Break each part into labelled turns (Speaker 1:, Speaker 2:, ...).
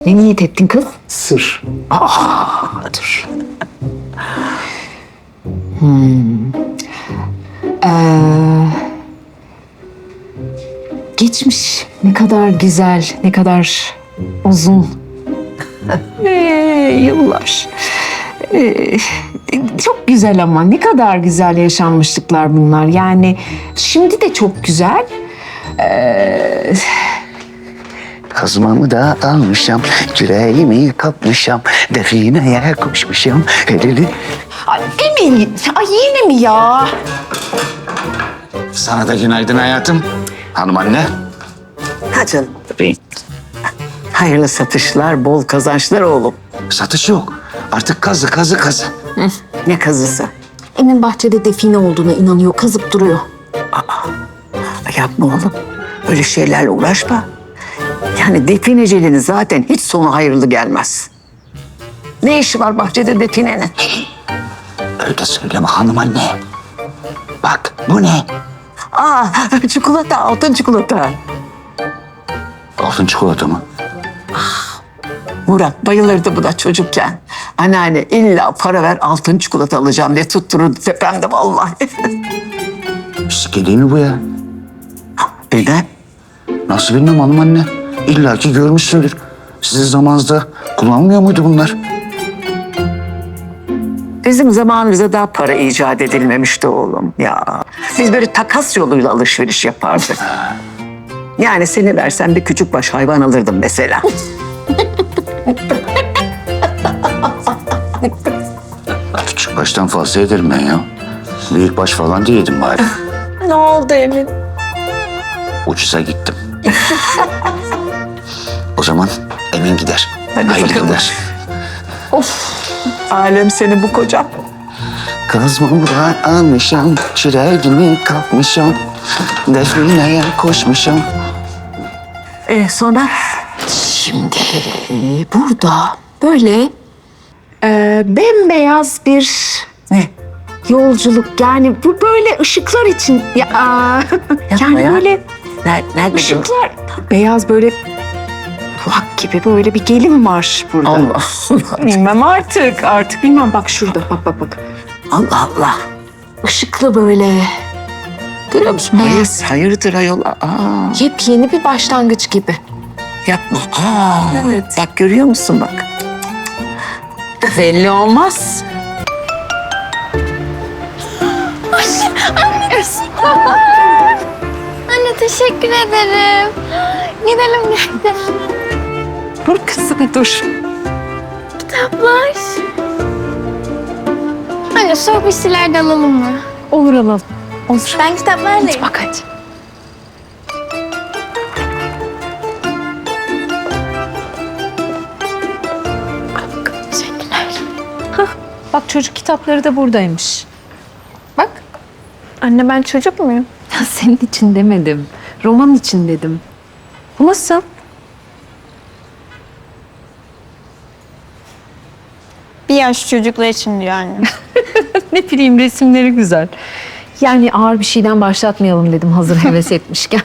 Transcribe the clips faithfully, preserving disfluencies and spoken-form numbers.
Speaker 1: Ne niyet ettin kız?
Speaker 2: Sır.
Speaker 1: Aa, dur. Hmm. Ee, geçmiş ne kadar güzel, ne kadar uzun. ee, yıllar. Ee, çok güzel ama ne kadar güzel yaşanmışlıklar bunlar. Yani şimdi de çok güzel. Ee,
Speaker 2: Kazmamı da almışam, küreğimi kapmışam, defineye koşmuşam, elini...
Speaker 1: ay Emin, ay yine mi ya?
Speaker 2: Sana da günaydın hayatım. Hanım anne.
Speaker 3: Ha canım. Hayırlı satışlar, bol kazançlar oğlum.
Speaker 2: Satış yok. Artık kazı, kazı, kazı.
Speaker 3: Ne kazısı?
Speaker 1: Emin bahçede define olduğuna inanıyor, kazıp duruyor.
Speaker 3: Yapma oğlum. Öyle şeylerle uğraşma. Yani defineciliğin zaten hiç sonu hayırlı gelmez. Ne işi var bahçede definenin?
Speaker 2: Öyle söyleme hanım anne. Bak bu ne?
Speaker 3: Aa, çikolata, altın çikolata.
Speaker 2: Altın çikolata mı?
Speaker 3: Murat bayılırdı bu da çocukken. Anneanne illa para ver altın çikolata alacağım diye tuttururdu tepemde vallahi.
Speaker 2: Şike değil mi bu ya?
Speaker 3: Neden?
Speaker 2: Nasıl bilmem hanım anne. İlla ki görmüşsündür. Sizin zamanınızda kullanmıyor muydu bunlar?
Speaker 3: Bizim zamanımızda daha para icat edilmemişti oğlum ya. Biz böyle takas yoluyla alışveriş yapardık. Yani seni versen bir küçük baş hayvan alırdım mesela.
Speaker 2: Küçük baştan fazla ederim ben ya. Büyük baş falan değildim bari.
Speaker 1: Ne oldu Emin?
Speaker 2: Ucuza gittim. O zaman Emin gider.
Speaker 3: Hadi
Speaker 2: Hayırlı
Speaker 3: bakalım.
Speaker 2: gider.
Speaker 3: Alem seni bu kocam.
Speaker 2: Kazmamı da almışam, çireğimi kapmışam, defineye koşmuşam.
Speaker 3: Ee, sonra?
Speaker 1: Şimdi burada böyle e, bembeyaz bir
Speaker 3: Ne?
Speaker 1: yolculuk. Yani bu böyle ışıklar için. Ya, aa, yani
Speaker 3: ya.
Speaker 1: böyle
Speaker 3: Nerede? Nerede?
Speaker 1: ışıklar. Beyaz böyle kulak gibi böyle bir gelin var burada.
Speaker 3: Allah Allah.
Speaker 1: Bilmem artık, artık bilmem. Bak şurada, bak bak bak.
Speaker 3: Allah Allah.
Speaker 1: Işıklı böyle. Görüyor musun? Beyaz.
Speaker 3: Hayırdır ayol? Aa,
Speaker 1: Yepyeni bir başlangıç gibi.
Speaker 3: yapma. Aa,
Speaker 1: Evet.
Speaker 3: Bak görüyor musun bak.
Speaker 1: Belli olmaz.
Speaker 4: Anne teşekkür ederim. Gidelim gidelim.
Speaker 1: Dur kızım, dur.
Speaker 4: Kitaplar. Anne soğuk bir şeyler de alalım mı?
Speaker 1: Olur alalım. Olur.
Speaker 4: Ben kitaplardayım.
Speaker 1: Bak hadi.
Speaker 4: Teşekkürler.
Speaker 5: Bak çocuk kitapları da buradaymış. Bak.
Speaker 4: Anne ben çocuk muyum?
Speaker 5: Ya senin için demedim. Roman için dedim. Bu nasıl?
Speaker 4: Bir yaş çocuklar için diyor anne.
Speaker 5: Ne bileyim resimleri güzel. Yani ağır bir şeyden başlatmayalım dedim hazır heves etmişken.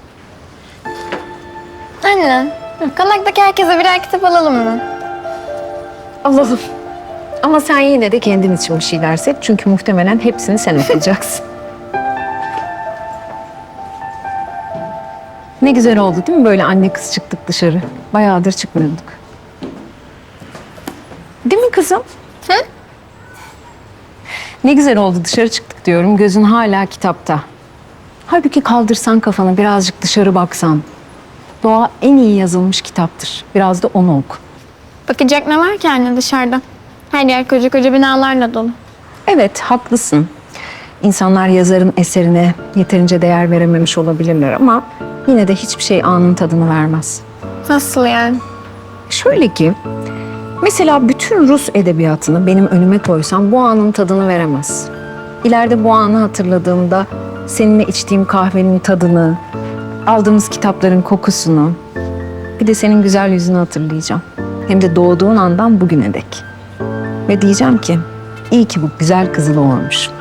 Speaker 4: Anne, konaktaki herkese birer kitap alalım mı?
Speaker 5: Alalım. Ama sen yine de kendin için bir şeyler seç. Çünkü muhtemelen hepsini sen okuyacaksın. Ne güzel oldu değil mi? Böyle anne kız çıktık dışarı. Bayağıdır çıkmıyorduk. Değil mi kızım?
Speaker 4: Hı?
Speaker 5: Ne güzel oldu dışarı çıktık diyorum. Gözün hala kitapta. Halbuki kaldırsan kafanı birazcık dışarı baksan. Doğa en iyi yazılmış kitaptır. Biraz da onu oku.
Speaker 4: Bakacak ne var ki anne dışarıda? Her yer koca koca binalarla dolu.
Speaker 5: Evet, haklısın. İnsanlar yazarın eserine yeterince değer verememiş olabilirler ama yine de hiçbir şey anın tadını vermez.
Speaker 4: Nasıl yani?
Speaker 5: Şöyle ki, mesela bütün Rus edebiyatını benim önüme koysam bu anın tadını veremez. İleride bu anı hatırladığımda seninle içtiğim kahvenin tadını, aldığımız kitapların kokusunu, bir de senin güzel yüzünü hatırlayacağım. Hem de doğduğun andan bugüne dek. Ve diyeceğim ki, iyi ki bu güzel kızı doğurmuş.